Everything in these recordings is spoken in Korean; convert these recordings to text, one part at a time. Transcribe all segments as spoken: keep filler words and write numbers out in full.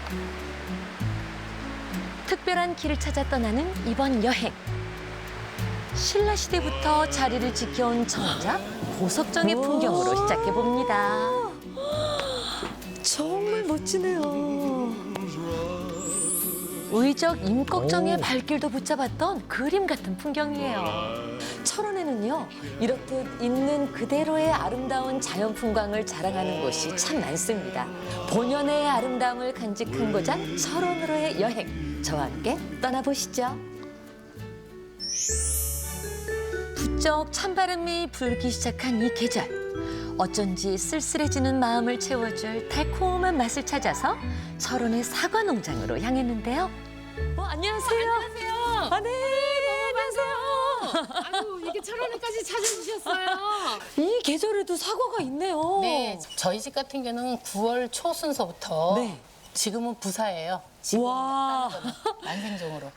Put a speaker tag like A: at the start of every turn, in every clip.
A: 특별한 길을 찾아 떠나는 이번 여행. 신라시대부터 자리를 지켜온 정작 고석정의 풍경으로 시작해봅니다.
B: 정말 멋지네요.
A: 의적 임꺽정의 발길도 붙잡았던 그림 같은 풍경이에요. 철원에는요, 이렇듯 있는 그대로의 아름다운 자연 풍광을 자랑하는 곳이 참 많습니다. 본연의 아름다움을 간직한 고장 철원으로의 여행, 저와 함께 떠나보시죠. 부쩍 찬바람이 불기 시작한 이 계절. 어쩐지 쓸쓸해지는 마음을 채워줄 달콤한 맛을 찾아서 철원의 사과 농장으로 향했는데요. 어, 안녕하세요.
C: 안녕하세요.
A: 아, 네, 안녕하세요.
C: 아유, 이게 철원에까지 찾아주셨어요.
A: 이 계절에도 사과가 있네요.
C: 네, 저희 집 같은 경우는 구월 초 순서부터
A: 네.
C: 지금은 부사예요. 지금
A: 와.
C: 만생종으로.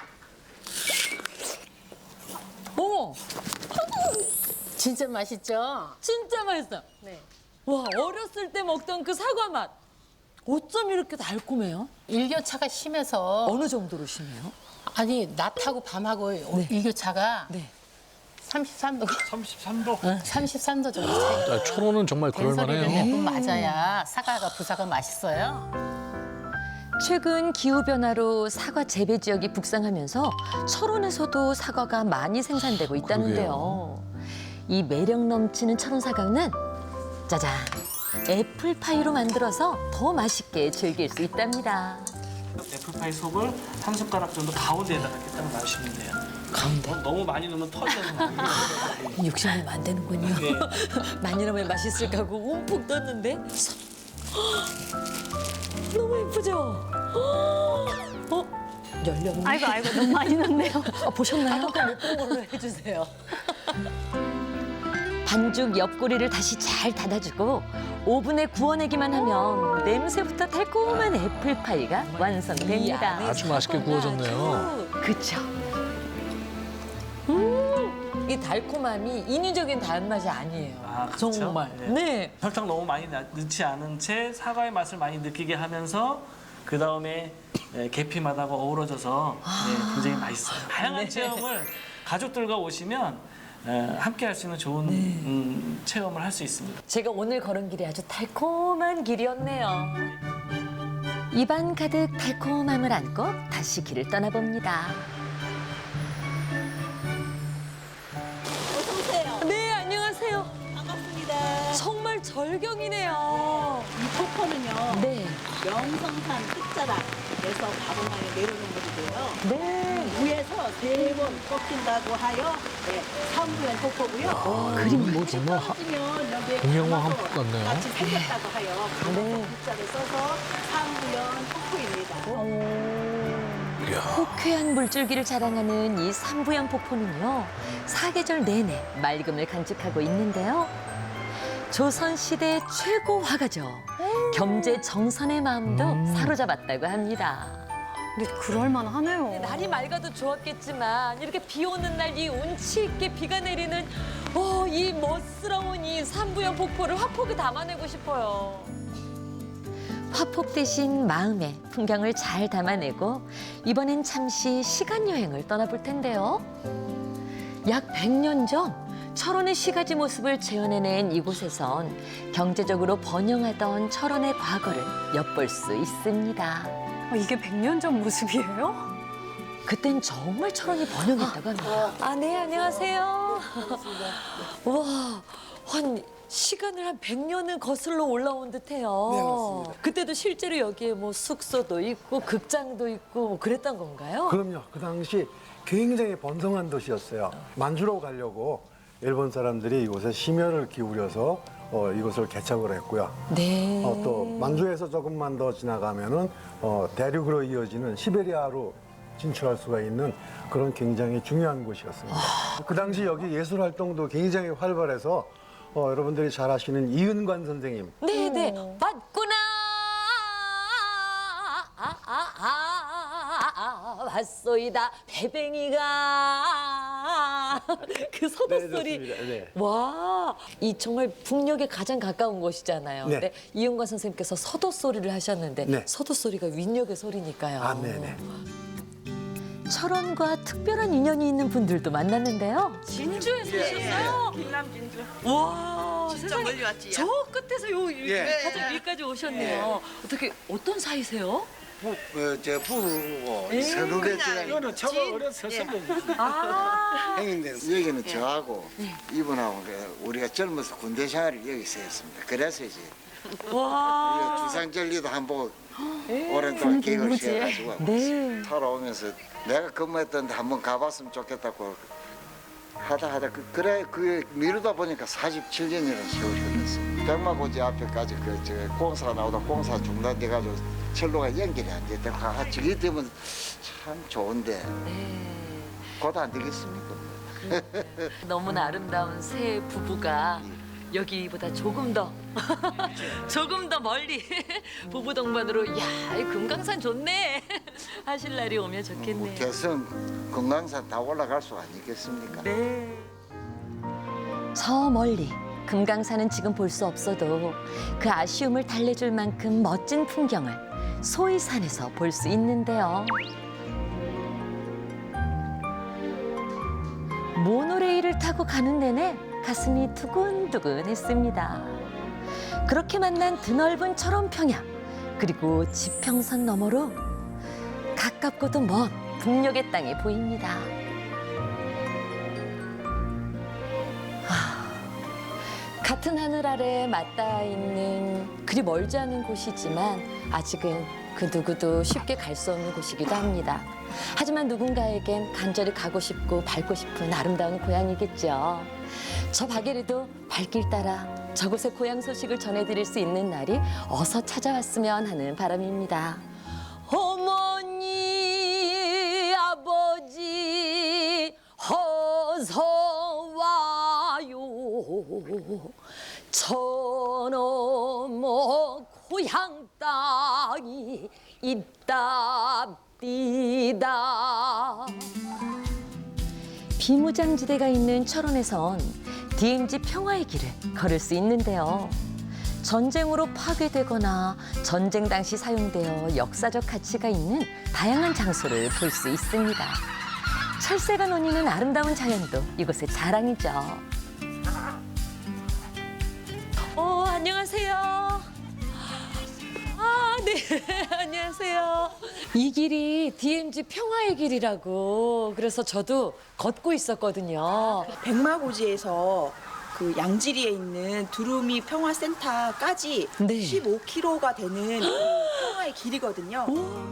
A: 어머,
C: 진짜 맛있죠?
A: 진짜 맛있어요.
C: 네.
A: 와, 어렸을 때 먹던 그 사과 맛. 어쩜 이렇게 달콤해요?
C: 일교차가 심해서
A: 어느 정도로 심해요?
C: 아니 낮하고 밤하고 일교차가
A: 네.
C: 삼십삼 도.
D: 삼십삼 도.
C: 응, 삼십삼 도 정도 차이.
E: 아, 철원은 정말
C: 된소리를
E: 그럴만해요.
C: 몇 번 맞아야 사과가 부사가 맛있어요.
A: 최근 기후변화로 사과 재배 지역이 북상하면서 철원에서도 사과가 많이 생산되고 있다는데요. 이 매력 넘치는 철원 사과는 짜잔, 애플파이로 만들어서 더 맛있게 즐길 수 있답니다.
D: 애플파이 속을 한 숟가락 정도 가운데에다가 이렇게 딱 놔주시면 돼요. 가운데? 너무 많이 넣으면 터져서
A: 욕심내면 안 되는군요.
D: 네.
A: 많이 넣으면 맛있을까 하고 움푹 떴는데 너무 예쁘죠? 어? 열렸네.
F: 아이고 아이고 너무 많이 넣네요.
A: 아, 보셨나요?
B: 아까 못 본 걸로 해주세요.
A: 반죽 옆구리를 다시 잘 닫아주고 오븐에 구워내기만 하면 냄새부터 달콤한 애플파이가 완성됩니다.
E: 아주 맛있게 구워졌네요.
A: 그쵸? 음, 이 달콤함이 인위적인 단맛이 아니에요.
D: 아, 그렇죠?
A: 정말.
D: 네.
A: 네.
D: 설탕 너무 많이 나- 넣지 않은 채 사과의 맛을 많이 느끼게 하면서 그 다음에 계피 맛하고 어우러져서 네, 굉장히 맛있어요. 다양한 체험을 가족들과 오시면 에, 함께 할 수 있는 좋은 음, 체험을 할 수 있습니다.
A: 제가 오늘 걸은 길이 아주 달콤한 길이었네요. 입안 가득 달콤함을 안고 다시 길을 떠나봅니다.
B: 어서 오세요.
A: 네, 안녕하세요.
B: 반갑습니다.
A: 정말 절경이네요.
B: 이 폭포는요.
A: 네.
B: 명성산 끝자락에서 가보만에 내려오는 곳이고요.
A: 네.
B: 위에서 세 번 꺾인다고 하여 네, 삼부연 폭포고요.
E: 그림 뭐 정말 하-
B: 떨어지면 여기에
E: 동양화
B: 가마도
E: 한복 같네요.
B: 같이 생겼다고 하여 가마도
A: 네.
B: 글자를 써서 삼부연 폭포입니다.
E: 이야.
A: 호쾌한 물줄기를 자랑하는 이 삼부연 폭포는요, 사계절 내내 맑음을 간직하고 있는데요. 조선시대 최고 화가죠. 겸재 정선의 마음도 사로잡았다고 합니다.
F: 근데 그럴만 하네요.
A: 날이 맑아도 좋았겠지만 이렇게 비 오는 날 이 운치 있게 비가 내리는 어, 이 멋스러운 이 삼부연 폭포를 화폭에 담아내고 싶어요. 화폭 대신 마음의 풍경을 잘 담아내고 이번엔 잠시 시간 여행을 떠나볼 텐데요. 약 백 년 전 철원의 시가지 모습을 재현해낸 이곳에선 경제적으로 번영하던 철원의 과거를 엿볼 수 있습니다.
F: 아, 이게 백 년 전 모습이에요?
A: 그땐 정말 철원이 번영했다고 합니다. 아, 네, 안녕하세요. 와, 한 시간을 한 백 년을 거슬러 올라온 듯해요.
G: 네, 맞습니다.
A: 그때도 실제로 여기에 뭐 숙소도 있고 극장도 있고 뭐 그랬던 건가요?
G: 그럼요. 그 당시 굉장히 번성한 도시였어요. 만주로 가려고 일본 사람들이 이곳에 심혈을 기울여서 어, 이곳을 개척을 했고요.
A: 네.
G: 어, 또 만주에서 조금만 더 지나가면은 어, 대륙으로 이어지는 시베리아로 진출할 수가 있는 그런 굉장히 중요한 곳이었습니다. 그 당시 여기 예술 활동도 굉장히 활발해서 어, 여러분들이 잘 아시는 이은관 선생님
A: 네, 네. 맞구나. 아, 아, 아, 아, 아, 왔소이다. 배뱅이가. 그 서도
G: 네,
A: 소리.
G: 좋습니다. 네.
A: 와, 이 정말 북녘에 가장 가까운 곳이잖아요.
G: 네.
A: 근데 이용관 선생님께서 서도 소리를 하셨는데
G: 네.
A: 서도 소리가 윈역의 소리니까요.
G: 아, 네네.
A: 철원과 특별한 인연이 있는 분들도 만났는데요. 진주에서
G: 예.
A: 오셨어요?
H: 김남 진주.
A: 와,
H: 진짜
A: 세상에.
H: 멀리 왔지.
A: 저 끝에서 요
G: 예.
A: 가장 위까지 오셨네요. 어떻게 어떤 사이세요?
I: 부, 어, 저 부부고 선후배지가
D: 이거는 저거 어려서 선배님.
A: 아,
I: 행인데 여기는 저하고 이분하고 그 우리가 젊어서 군대 생활을 여기서 했습니다. 그래서 이제
A: 와.
I: 주상절리도 한번 오랜 동안 계획을 세워가지고
A: 네.
I: 살아오면서 내가 근무했던데 한번 가봤으면 좋겠다고 하다 하다 그, 그래 그 미루다 보니까 사십칠 년이라는 세월이 흘렀어요. 백마고지 앞에까지 그 저 공사 나오다 공사 중단돼가지고 철로가 연결이 안 됐다. 아, 저기 때문에 참 좋은데 곧 안 되겠습니까?
A: 너무나 아름다운 새 부부가 여기보다 조금 더 조금 더 멀리 부부 동반으로 야, 이 금강산 좋네 하실 날이 오면
I: 뭐
A: 좋겠네요.
I: 개성 금강산 다 올라갈 수 아니겠습니까?
A: 네.
J: 저 멀리 금강산은 지금 볼 수 없어도 그 아쉬움을 달래줄 만큼 멋진 풍경을 소이산에서 볼 수 있는데요. 모노레일을 타고 가는 내내 가슴이 두근두근했습니다. 그렇게 만난 드넓은 철원평야 그리고 지평선 너머로 가깝고도 먼 북녘의 땅이 보입니다. 같은 하늘 아래 맞닿아 있는 그리 멀지 않은 곳이지만 아직은 그 누구도 쉽게 갈 수 없는 곳이기도 합니다. 하지만 누군가에겐 간절히 가고 싶고 밟고 싶은 아름다운 고향이겠죠. 저 박예리도 발길 따라 저곳의 고향 소식을 전해드릴 수 있는 날이 어서 찾아왔으면 하는 바람입니다. 어머니, 아버지, 어서 와요. 저 넘어 고향 땅이 있답니다. 비무장지대가 있는 철원에선 디엠지 평화의 길을 걸을 수 있는데요. 전쟁으로 파괴되거나 전쟁 당시 사용되어 역사적 가치가 있는 다양한 장소를 볼 수 있습니다. 철새가 논이는 아름다운 자연도 이곳의 자랑이죠.
A: 어, 안녕하세요. 아, 네. 안녕하세요. 이 길이 디엠지 평화의 길이라고 그래서 저도 걷고 있었거든요.
H: 백마고지에서 그 양지리에 있는 두루미 평화센터까지
A: 네.
H: 십오 킬로미터가 되는 그 평화의 길이거든요.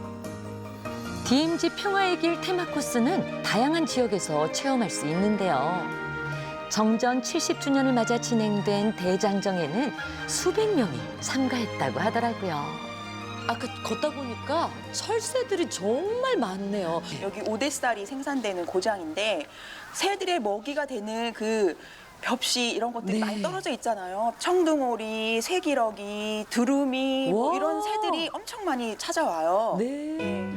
J: 디엠지 평화의 길 테마 코스는 다양한 지역에서 체험할 수 있는데요. 정전 칠십 주년을 맞아 진행된 대장정에는 수백 명이 참가했다고 하더라고요.
A: 아까 걷다 보니까 철새들이 정말 많네요.
H: 여기 오대쌀이 생산되는 고장인데 새들의 먹이가 되는 그 벽시 이런 것들이
A: 네.
H: 많이 떨어져 있잖아요. 청둥오리, 새기러기, 두루미 뭐
A: 와.
H: 이런 새들이 엄청 많이 찾아와요.
A: 네.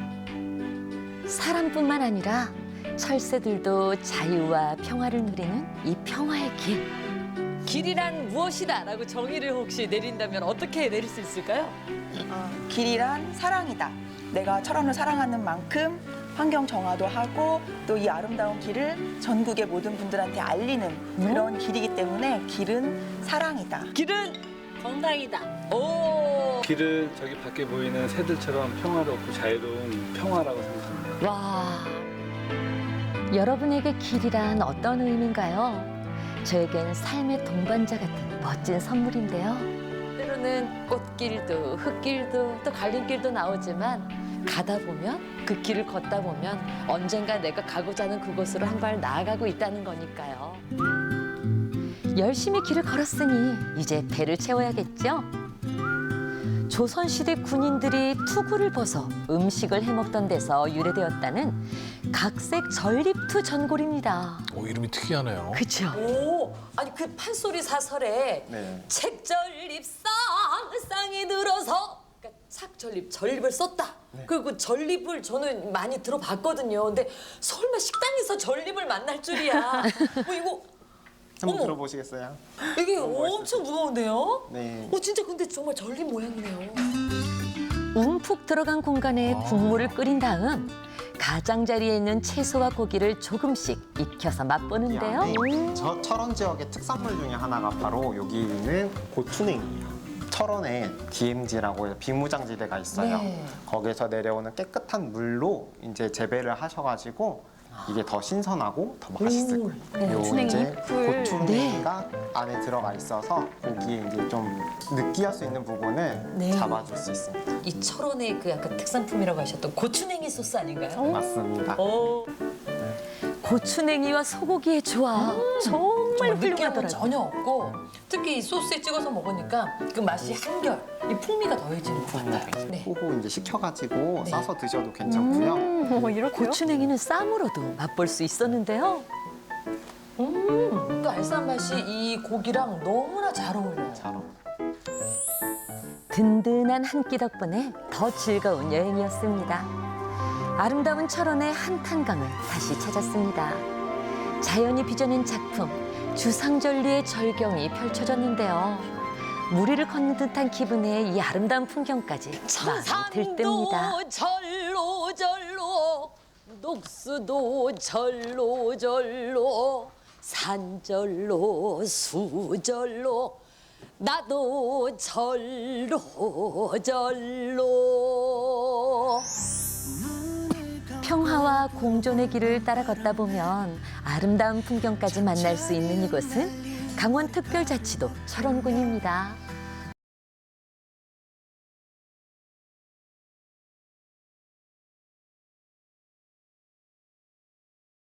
J: 사람뿐만 아니라 철새들도 자유와 평화를 누리는 이 평화의 길.
A: 길이란 무엇이다 라고 정의를 혹시 내린다면 어떻게 내릴 수 있을까요?
H: 어, 길이란 사랑이다. 내가 철원을 사랑하는 만큼 환경 정화도 하고 또 이 아름다운 길을 전국의 모든 분들한테 알리는 그런 길이기 때문에 길은 사랑이다.
A: 길은 건강이다. 오.
K: 길은 저기 밖에 보이는 새들처럼 평화롭고 자유로운 평화라고 생각합니다.
J: 와, 여러분에게 길이란 어떤 의미인가요? 저에겐 삶의 동반자 같은 멋진 선물인데요.
A: 때로는 꽃길도 흙길도 또 갈림길도 나오지만 가다 보면 그 길을 걷다 보면 언젠가 내가 가고자 하는 그곳으로 한 발 나아가고 있다는 거니까요.
J: 열심히 길을 걸었으니 이제 배를 채워야겠죠? 조선시대 군인들이 투구를 벗어 음식을 해먹던 데서 유래되었다는 각색 전립투 전골입니다.
E: 오, 이름이 특이하네요.
J: 그렇죠?
A: 오, 아니 그 판소리 사설에
I: 네.
A: 책전립상 쌍이 들어서 그러니까 삭전립, 전립을 썼다. 그리고 전립을 저는 많이 들어봤거든요. 근데 설마 식당에서 전립을 만날 줄이야. 뭐 이거
L: 한번
A: 어머.
L: 들어보시겠어요?
A: 이게 엄청 무거운데요?
L: 네.
A: 어 진짜 근데 정말 전립 모양이네요.
J: 움푹 들어간 공간에 국물을 끓인 다음 가장자리에 있는 채소와 고기를 조금씩 익혀서 맛보는데요.
L: 네. 저 철원 지역의 특산물 중에 하나가 바로 여기 있는 고추냉이에요. 철원에 디엠지라고 해서 비무장지대가 있어요.
A: 네.
L: 거기서 내려오는 깨끗한 물로 이제 재배를 하셔가지고 이게 더 신선하고 더 맛있을 거예요. 요
F: 고추냉이
L: 이제
F: 잎을.
L: 고추냉이가 안에 들어가 있어서 고기에 이제 좀 느끼할 수 있는 부분을
A: 네.
L: 잡아줄 수 있습니다.
A: 이 철원의 그 약간 특산품이라고 하셨던 고추냉이 소스 아닌가요?
L: 맞습니다.
A: 어.
J: 고추냉이와 소고기의 조합 정말
A: 느끼함은
J: 훌륭하더라고요.
A: 전혀 없고 특히 이 소스에 찍어서 먹으니까 그 맛이 한결, 이 풍미가 더해지는 것 같아요. 네.
L: 호호 이제 식혀가지고
A: 네.
L: 싸서 드셔도 괜찮고요.
F: 어, 이렇게요?
J: 고추냉이는 쌈으로도 맛볼 수 있었는데요.
A: 음, 그 알싸한 맛이 이 고기랑 너무나 잘 어울려요.
L: 잘 어울려요.
J: 든든한 한 끼 덕분에 더 즐거운 여행이었습니다. 아름다운 철원의 한탄강을 다시 찾았습니다. 자연이 빚어낸 작품, 주상절리의 절경이 펼쳐졌는데요. 무리를 걷는 듯한 기분의 이 아름다운 풍경까지 마음에 들뜹니다.
A: 산도 절로 절로 녹수도 절로 절로 산절로 수절로 나도 절로 절로.
J: 평화와 공존의 길을 따라 걷다 보면 아름다운 풍경까지 만날 수 있는 이곳은 강원특별자치도 철원군입니다.